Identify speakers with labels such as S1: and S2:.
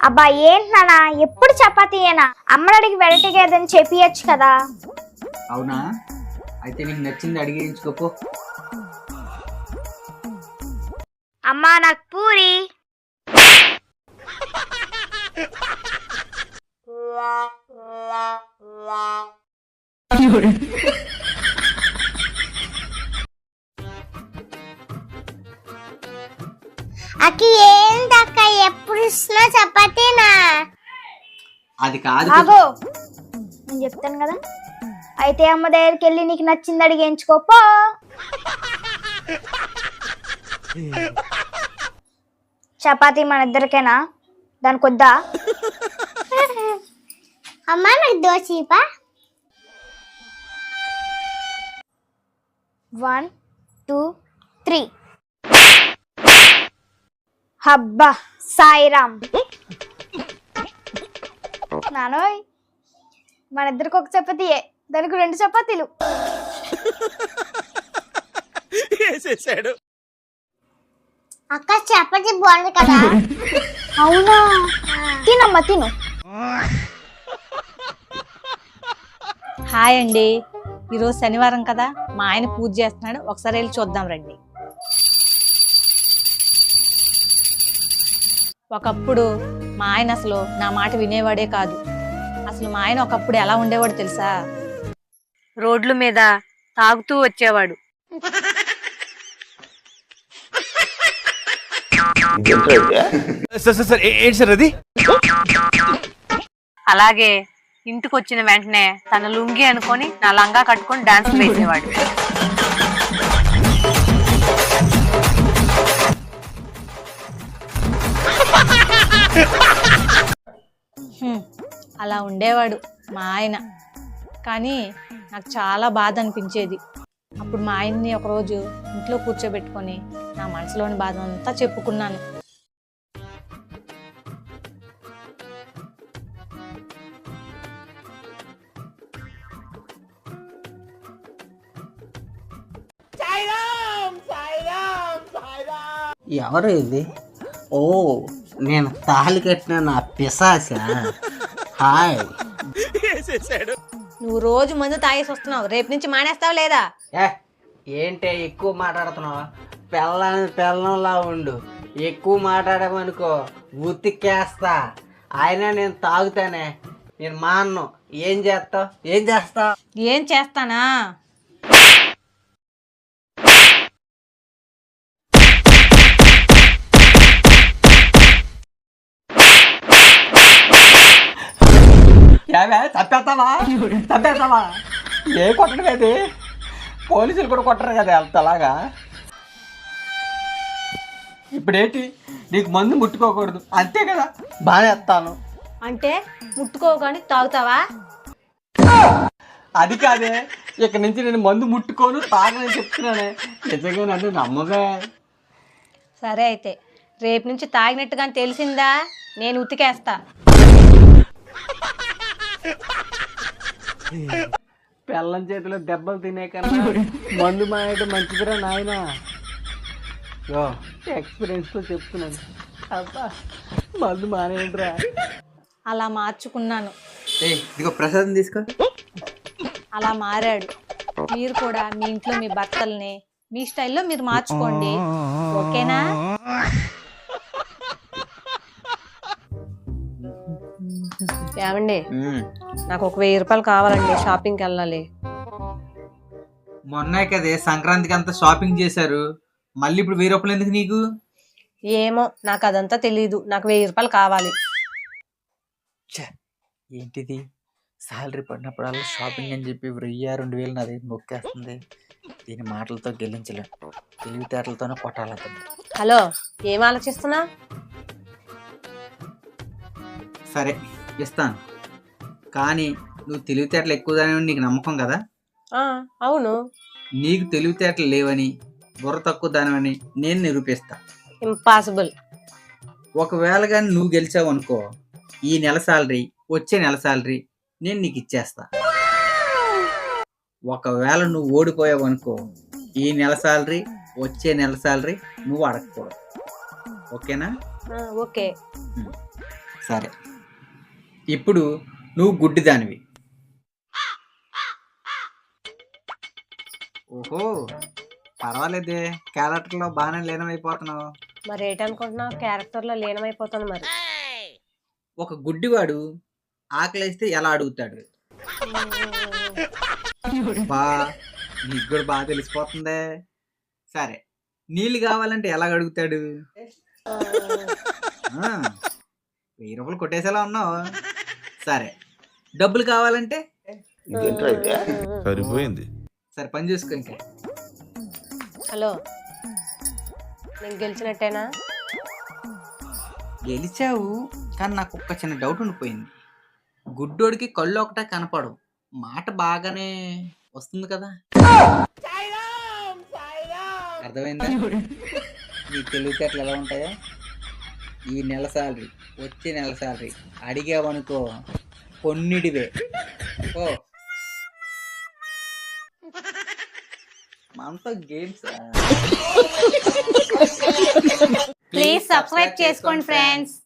S1: అబ్బా ఏంటి నాన్న ఎప్పుడు చపాతీయేనా? అమ్మని అడిగి వెరైటీగా ఏదైనా చెప్పియచ్చు కదా.
S2: అవునా, అయితే నీకు నచ్చింది అడిగించుకోపో.
S1: అమ్మా నాకు పూరి.
S3: అక్కి ఏందక్క ఎప్పుడు ఇస్తున్నా చపాతీనా?
S2: అది కాదు.
S1: ఆగో, నేను చెప్తాను కదా. అయితే అమ్మ దగ్గరికి వెళ్ళి నీకు నచ్చింది అడిగించుకోపో. చపాతీ మన ఇద్దరికేనా? దానికి వద్దా?
S3: అమ్మా నాకు దోశ ఇవ్వా?
S1: 1 2 3. హబ్బా సాయిరామ్. నానోయ్, మన ఇద్దరికి ఒక చపాతీయే, దానికి 2 చపాతీలు.
S3: అక్క చపాతీ బాగుంది కదా?
S1: అవునా, తినమ్మా తిను.
S4: హాయ్ అండి, ఈరోజు శనివారం కదా, మా ఆయన పూజ చేస్తున్నాడు, ఒకసారి వెళ్ళి చూద్దాం రండి. ఒకప్పుడు మా ఆయన అసలు నా మాట వినేవాడే కాదు. అసలు మా ఆయన ఒకప్పుడు ఎలా ఉండేవాడు తెలుసా? రోడ్ల మీద తాగుతూ వచ్చేవాడు. అలాగే ఇంటికి వచ్చిన వెంటనే తన లుంగి అనుకొని నా లంగా కట్టుకొని డాన్స్ వేసేవాడు. అలా ఉండేవాడు మా ఆయన. కానీ నాకు చాలా బాధ అనిపించేది. అప్పుడు మా ఆయన్ని ఒకరోజు ఇంట్లో కూర్చోబెట్టుకొని నా మనసులోని బాధ అంతా చెప్పుకున్నాను.
S5: ఎవరు ఇది? ఓ, నేను తాళి కట్టిన నా పిశాచ. హాయ్.
S4: నువ్వు రోజు మందు తాగేసి వస్తున్నావు, రేపు నుంచి మానేస్తావు లేదా?
S5: ఏంటే ఎక్కువ మాట్లాడుతున్నావు? పెళ్ళంలా ఉండు. ఎక్కువ మాట్లాడమనుకో ఉతికేస్తా. అయినా నేను తాగుతానే, నేను మాన్ను. ఏం చేస్తావు?
S4: ఏం చేస్తానా?
S5: తప్పేస్తావా? ఏ కొట్టడం అది? పోలీసులు కూడా కొట్టరు కదా అంతలాగా. ఇప్పుడేంటి, నీకు మందు ముట్టుకోకూడదు అంతే కదా? బానేస్తాను
S4: అంటే ముట్టుకోగాని తాగుతావా?
S5: అది కాదే, ఇక్కడి నుంచి నేను మందు ముట్టుకోను, తాగనని చెప్తున్నానే. నిజంగా నన్ను నమ్మవే?
S4: సరే అయితే రేపు నుంచి తాగినట్టుగా తెలిసిందా, నేను ఉతికేస్తా.
S5: పెళ్ళం చేతిలో దెబ్బలు తినే కన్నా మందు మానేయడం మంచిదిరా నాయన. ఎక్స్పీరియన్స్ తో చెప్తున్నాను. అబ్బా, మందు మానేయండిరా.
S4: అలా మార్చుకున్నాను.
S2: ఇదిగో ప్రసాదం తీసుకో.
S4: అలా మారాడు. మీరు కూడా మీ ఇంట్లో మీ భర్తల్ని మీ స్టైల్లో మీరు మార్చుకోండి, ఓకేనా? ఏమండి, నాకు ఒక 1000 రూపాయలు కావాలండి, షాపింగ్కి వెళ్ళాలి.
S2: మొన్నే కదే సంక్రాంతికి అంతా షాపింగ్ చేశారు, మళ్ళీ ఇప్పుడు 1000 రూపాయలు ఎందుకు నీకు?
S4: ఏమో, నాకు అదంతా తెలీదు. నాకు 1000 రూపాయలు కావాలి.
S2: ఏంటిది, సాలరీ పడినప్పుడల్లా షాపింగ్ అని చెప్పి 1000-2000 నా దగ్గర నొక్కేస్తుంది. దీని మాటలతో గెలించలేం, తెలివితేటలతోనే కొట్టాలి.
S4: హలో, ఏం ఆలోచిస్తున్నా?
S2: సరే ఇస్తాను, కానీ నువ్వు తెలివితేటలు ఎక్కువగానే నీకు నమ్మకం కదా?
S4: అవును.
S2: నీకు తెలివితేటలు లేవని, బుర్ర తక్కువ దానివని నేను నిరూపిస్తా.
S4: ఇంపాసిబుల్.
S2: ఒకవేళ కానీ నువ్వు గెలిచావు అనుకో, ఈ నెల సాలరీ వచ్చే నెల సాలరీ నేను నీకు ఇచ్చేస్తా. ఒకవేళ నువ్వు ఓడిపోయావు అనుకో, ఈ నెల సాలరీ వచ్చే నెల సాలరీ నువ్వు అడగకూడదు, ఓకేనా?
S4: ఓకే.
S2: సరే, ఇప్పుడు నువ్వు గుడ్డిదానివి. ఓహో, పర్వాలేదే, క్యారెక్టర్లో బాగానే లీనమైపోతున్నావు.
S6: మరి ఏంటనుకుంటున్నావు? క్యారెక్టర్లో లీనమైపోతాను మరి.
S2: ఒక గుడ్డివాడు ఆకలేస్తే ఎలా అడుగుతాడు? బా, నీకు కూడా బాగా తెలిసిపోతుందే. సరే, నీళ్ళు కావాలంటే ఎలా అడుగుతాడు? 1000 రూపాయలు కొట్టేసేలా ఉన్నావు. సరే, డబ్బులు కావాలంటే?
S7: సరిపోయింది.
S2: సరే, పని చూసుకో ఇంకా.
S6: హలో, నేను గెలిచినట్టేనా?
S2: గెలిచావు, కానీ నాకు ఒక్క చిన్న డౌట్ ఉండిపోయింది. గుడ్డోడికి కళ్ళు ఒకటే కనపడవు, మాట బాగానే వస్తుంది కదా. అర్థమైందా? నీ తెలివితేటలు ఎలా ఉంటాయో. ఈ నెల శాలరీ, వచ్చే నెల శాలరీ అడిగావనుకో కొన్నిటివే. ఓ, మనతో గేమ్స్.
S4: ప్లీజ్ సబ్స్క్రైబ్ చేసుకోండి ఫ్రెండ్స్.